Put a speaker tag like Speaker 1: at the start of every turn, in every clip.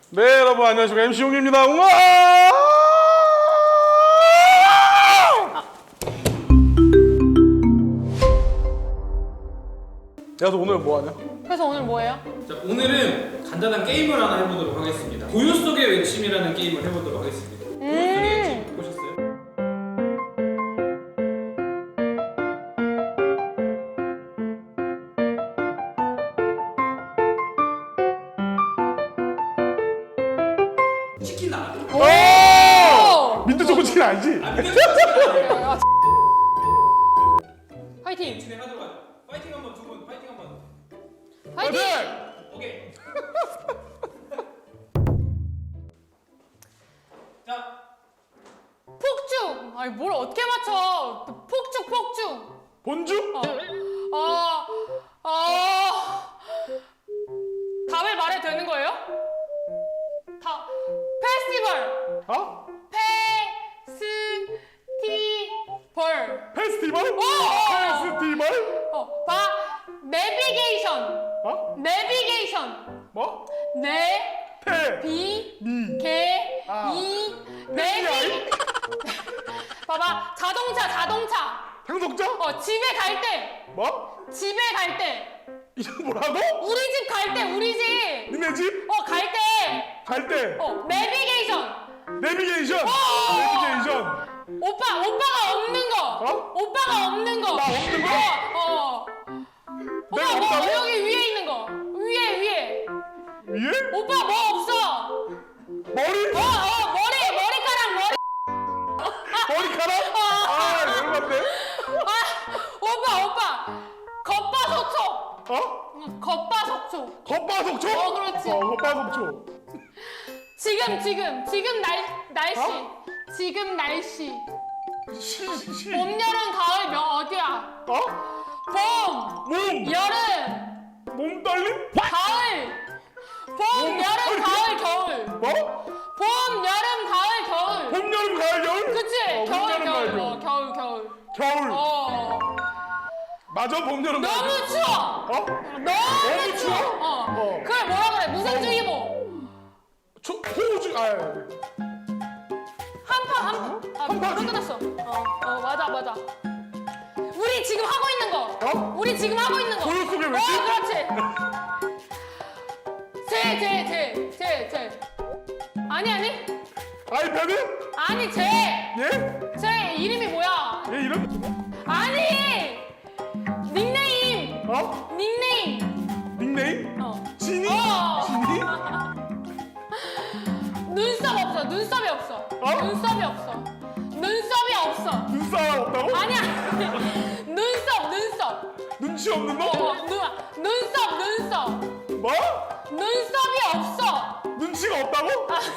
Speaker 1: 네, 여러분 안녕하십니까. MC 용입니다. 우와! 야, 너 오늘 뭐 하냐?
Speaker 2: 그래서 오늘 뭐예요?
Speaker 3: 자, 오늘은 간단한 게임을 하나 해보도록 하겠습니다. 고요 속의 외침이라는 게임을 해보도록 하겠습니다. 고요 속의 외침 보셨어요? 치킨 나가.
Speaker 1: 오! 민트 초코 치킨 아니지?
Speaker 2: 화이팅!
Speaker 3: 진행하도록 하죠. 파이팅 한번 두 분, 파이팅 한번.
Speaker 2: 화이팅!
Speaker 3: 오케이. 자,
Speaker 2: 폭죽! 아니 뭘 어떻게 맞춰? 폭죽!
Speaker 1: 본주?
Speaker 2: 답을 말해도 되는 거예요? 페스티벌!
Speaker 1: 어?
Speaker 2: 페스티벌!
Speaker 1: 페스티벌?
Speaker 2: 오!
Speaker 1: 페스티벌?
Speaker 2: 내비게이션!
Speaker 1: 어?
Speaker 2: 내비게이션!
Speaker 1: 뭐?
Speaker 2: 네, 비,
Speaker 1: 미.
Speaker 2: 게,
Speaker 1: 아.
Speaker 2: 이,
Speaker 1: 페스티벌?
Speaker 2: 내비. 봐봐, 자동차.
Speaker 1: 장독자?
Speaker 2: 집에 갈 때,
Speaker 1: 뭐? 이게 뭐라고?
Speaker 2: 우리 집 갈 때, 우리 집.
Speaker 1: 니네 집?
Speaker 2: 갈 때,
Speaker 1: 갈 때
Speaker 2: 내비게이션.
Speaker 1: 내비게이션!
Speaker 2: 어!
Speaker 1: 내비게이션!
Speaker 2: 오빠가 없는 거.
Speaker 1: 어?
Speaker 2: 오빠가 없는 거.
Speaker 1: 나 없는 거? 내가
Speaker 2: 오빠 뭐
Speaker 1: 없다고?
Speaker 2: 여기 위에 있는 거. 위에.
Speaker 1: 위에?
Speaker 2: 오빠 뭐 없어?
Speaker 1: 머리?
Speaker 2: 머리카락.
Speaker 1: 머리카락? 아, 열받네.
Speaker 2: 오빠. 겉바속촉.
Speaker 1: 어?
Speaker 2: 겉바속촉.
Speaker 1: 겉바속촉?
Speaker 2: 그렇지.
Speaker 1: 겉바속촉.
Speaker 2: 지금 날씨.
Speaker 1: 어?
Speaker 2: 지금 날씨.
Speaker 1: 시.
Speaker 2: 봄, 여름, 가을 어디야?
Speaker 1: 어?
Speaker 2: 봄,
Speaker 1: 몸!
Speaker 2: 여름,
Speaker 1: 몸떨림?
Speaker 2: 가을. 봄, 여름, 가을, 겨울.
Speaker 1: 뭐?
Speaker 2: 봄, 여름, 가을, 겨울.
Speaker 1: 봄, 여름, 가을, 겨울?
Speaker 2: 그치?
Speaker 1: 봄, 여름, 가을,
Speaker 2: 겨울.
Speaker 1: 겨울.
Speaker 2: 어.
Speaker 1: 맞아, 봄, 여름, 가을,
Speaker 2: 너무
Speaker 1: 겨울.
Speaker 2: 추워.
Speaker 1: 어?
Speaker 2: 너무
Speaker 1: 추워?
Speaker 2: 추워. 그걸 뭐라 그래? 무생주의보.
Speaker 1: 호우주,
Speaker 2: 한파.
Speaker 1: 한파지.
Speaker 2: 물 끊었어. 맞아. 우리 지금 하고 있는 거.
Speaker 1: 어?
Speaker 2: 우리 지금 하고 있는 거.
Speaker 1: 고요 속의 외침?
Speaker 2: 그렇지. 제. 아니.
Speaker 1: 아이패드?
Speaker 2: 아니,
Speaker 1: 예?
Speaker 2: 제 이름이 뭐야?
Speaker 1: 얘 이름?
Speaker 2: 아니! 닉네임!
Speaker 1: 어? 닉네임? 지니?
Speaker 2: 어.
Speaker 1: 지니?
Speaker 2: 눈썹이 없어. 눈썹이 없어.
Speaker 1: 눈사람 없다고?
Speaker 2: 아니야. 눈썹.
Speaker 1: 눈치 없는 거?
Speaker 2: 눈썹.
Speaker 1: 뭐?
Speaker 2: 눈썹이 없어.
Speaker 1: 눈치가 없다고?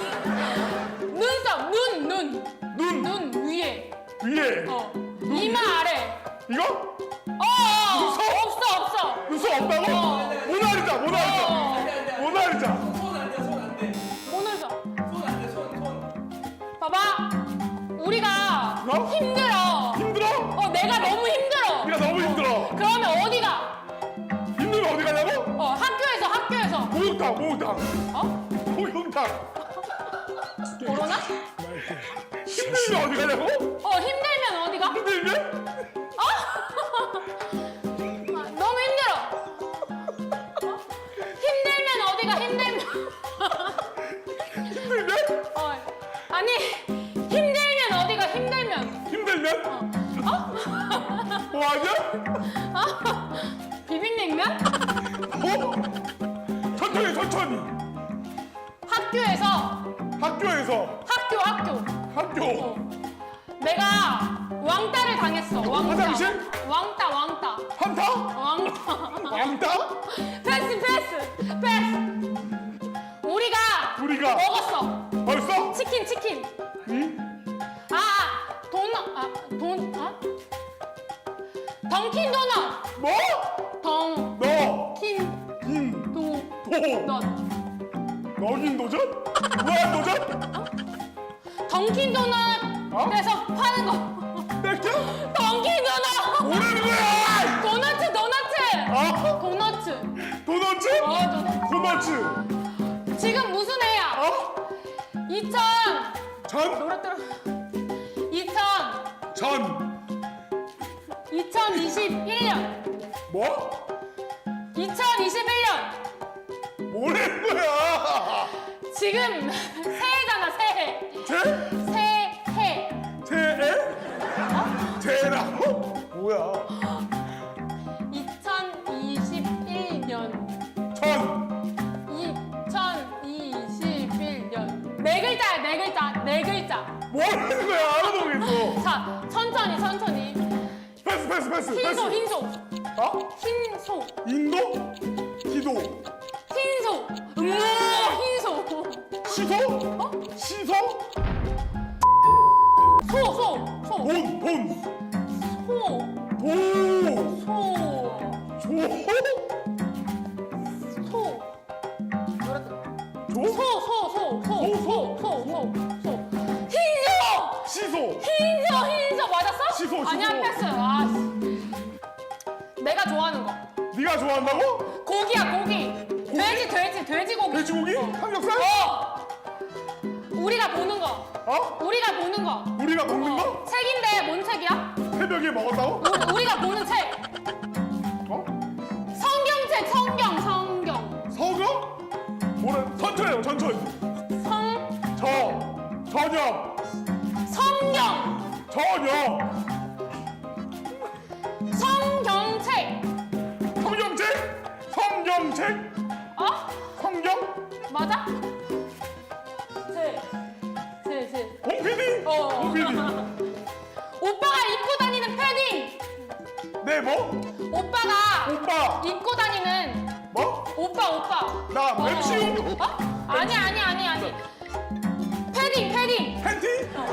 Speaker 2: 눈썹,
Speaker 1: 눈
Speaker 2: 눈 위에.
Speaker 1: 위에
Speaker 2: 이마 아래.
Speaker 1: 이거?
Speaker 2: 눈썹? 없어.
Speaker 1: 눈썹 없다고? 모나리자 모나리자
Speaker 3: 손 안 돼, 손 안 돼.
Speaker 2: 오늘 저.
Speaker 3: 손 안 돼, 손.
Speaker 2: 봐봐. 우리가
Speaker 1: 어?
Speaker 2: 힘들어.
Speaker 1: 힘들어?
Speaker 2: 내가 너무 힘들어.
Speaker 1: 네가 너무 힘들어
Speaker 2: 그러면 어디가?
Speaker 1: 힘들면 어디 가냐고?
Speaker 2: 학교에서.
Speaker 1: 목욕탕
Speaker 2: 어?
Speaker 1: 목욕탕
Speaker 2: 코로나?
Speaker 1: 힘들면 어디 가냐고?
Speaker 2: 힘들면 어디가?
Speaker 1: 힘들면?
Speaker 2: 너무 힘들어. 힘들면 어디가?
Speaker 1: 힘들면?
Speaker 2: 아니, 힘들면 어디가?
Speaker 1: 힘들면? 뭐 하냐?
Speaker 2: 비빔냉면?
Speaker 1: 천천히
Speaker 2: 학교에서.
Speaker 1: 학교
Speaker 2: 내가 왕따를 당했어.
Speaker 1: 화장실?
Speaker 2: 왕따.
Speaker 1: 한타? 왕따?
Speaker 2: 패스. 우리가 먹었어.
Speaker 1: 벌써?
Speaker 2: 치킨.
Speaker 1: 응?
Speaker 2: 던킨 도넛.
Speaker 1: 뭐?
Speaker 2: 던킨 도넛.
Speaker 1: 너긴 도전? 무한 도전?
Speaker 2: 던킨 도넛에서 파는 거.
Speaker 1: 땡겨?
Speaker 2: 던킨 도넛.
Speaker 1: 뭐라는 거야?
Speaker 2: 도넛.
Speaker 1: 어?
Speaker 2: 도넛.
Speaker 1: 도넛츠?
Speaker 2: 도넛.
Speaker 1: 도넛츠?
Speaker 2: 지금 무슨 해야?
Speaker 1: 어?
Speaker 2: 2000
Speaker 1: 전?
Speaker 2: 노래 들어. 2000
Speaker 1: 전.
Speaker 2: 2021년.
Speaker 1: 뭐?
Speaker 2: 2021년.
Speaker 1: 뭐라는 거야?
Speaker 2: 지금 새해잖아, 새해.
Speaker 1: 제?
Speaker 2: 새해.
Speaker 1: 제에? 제라고? 뭐야?
Speaker 2: 2021년.
Speaker 1: 전.
Speaker 2: 2021년. 네 글자야, 네 글자. 네 글자.
Speaker 1: 뭐라는 거야? 알아보겠어.
Speaker 2: 자, 천천히, 천천히.
Speaker 1: 패스 패스 패스
Speaker 2: 흰소,
Speaker 1: 패스.
Speaker 2: 흰소.
Speaker 1: 어?
Speaker 2: 흰소.
Speaker 1: 인도? 기도.
Speaker 2: 흰소. 흰소.
Speaker 1: 시소?
Speaker 2: 어?
Speaker 1: 시소?
Speaker 2: 소.
Speaker 1: 돈. 돈.
Speaker 2: 소.
Speaker 1: 도.
Speaker 2: 소.
Speaker 1: 조?
Speaker 2: 소. 노래 들어.
Speaker 1: 조?
Speaker 2: 소. 흰소.
Speaker 1: 시소.
Speaker 2: 흰소 맞았어?
Speaker 1: 시소,
Speaker 2: 아니야,
Speaker 1: 시소.
Speaker 2: 패스. 아, 씨. 내가 좋아하는 거.
Speaker 1: 네가 좋아한다고?
Speaker 2: 고기야, 고기. 돼지고기.
Speaker 1: 돼지고기? 삼겹살?
Speaker 2: 우리가 보는 거.
Speaker 1: 어?
Speaker 2: 우리가 보는 거.
Speaker 1: 우리가 먹는 거?
Speaker 2: 책인데 뭔 책이야?
Speaker 1: 새벽에 먹었다고?
Speaker 2: 우리가 보는 책.
Speaker 1: 어?
Speaker 2: 성경책, 성경.
Speaker 1: 서거? 뭐래? 천천히요, 천천히. 저녁.
Speaker 2: 성경.
Speaker 1: 저녁.
Speaker 2: 성경책.
Speaker 1: 성경책?
Speaker 2: 어?
Speaker 1: 성경?
Speaker 2: 맞아? 제.
Speaker 1: 홍PD? 홍PD.
Speaker 2: 오빠가 입고 다니는 패딩.
Speaker 1: 네, 뭐?
Speaker 2: 오빠가
Speaker 1: 오빠.
Speaker 2: 입고 다니는
Speaker 1: 뭐?
Speaker 2: 오빠.
Speaker 1: 나 맵시용.
Speaker 2: 어? 아니. 패딩.
Speaker 1: 팬티?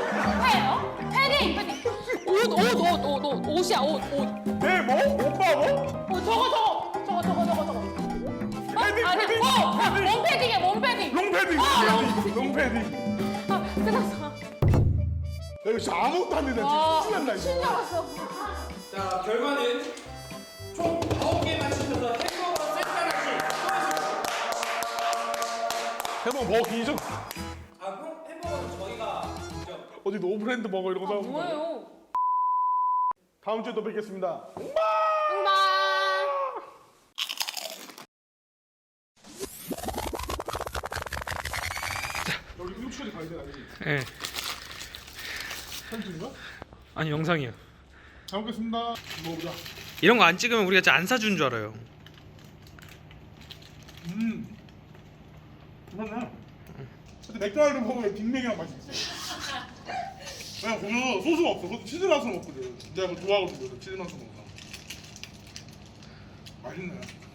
Speaker 2: 패딩. 옷이야, 옷.
Speaker 1: 네, 뭐? 오빠 뭐?
Speaker 2: 저거.
Speaker 1: 패딩,
Speaker 2: 아니야.
Speaker 1: 패딩, 패딩.
Speaker 2: 몸패딩이야, 몸패딩.
Speaker 1: 롱패딩. 롱패딩.
Speaker 2: 끝났어.
Speaker 1: 야, 이거 진짜 아무것도 안 되네.
Speaker 2: 와,
Speaker 1: 진짜 신난다, 이거.
Speaker 2: 신나갔어.
Speaker 3: 자, 결과는 총 9개 맞추셔서 햄버거 세트 하나씩 수고하셨습니다.
Speaker 1: 해먹 먹기죠?
Speaker 3: 아, 햄버거는 저희가 직접
Speaker 1: 어디 노브랜드 먹어 이런 거 사오는 거.
Speaker 2: 뭐예요?
Speaker 1: 다음 주에 또 뵙겠습니다.
Speaker 2: 응방.
Speaker 1: 여기 일주일에 가야 돼, 알지?
Speaker 3: 예.
Speaker 1: 사진 찍는 거야?
Speaker 3: 아니, 영상이요.
Speaker 1: 잘 먹겠습니다. 먹어보자.
Speaker 3: 이런 거 안 찍으면 우리가 진짜 안 사준 줄 알아요.
Speaker 1: 그러네. 근데 맥주알을 먹으면 빅맥이랑 맛이 있어. 왜냐면 거기서 소스가 없어. 그것도 치즈 맛으로 먹거든. 내가 그거 좋아하거든. 그래서 치즈 맛으로 먹어. 맛있네.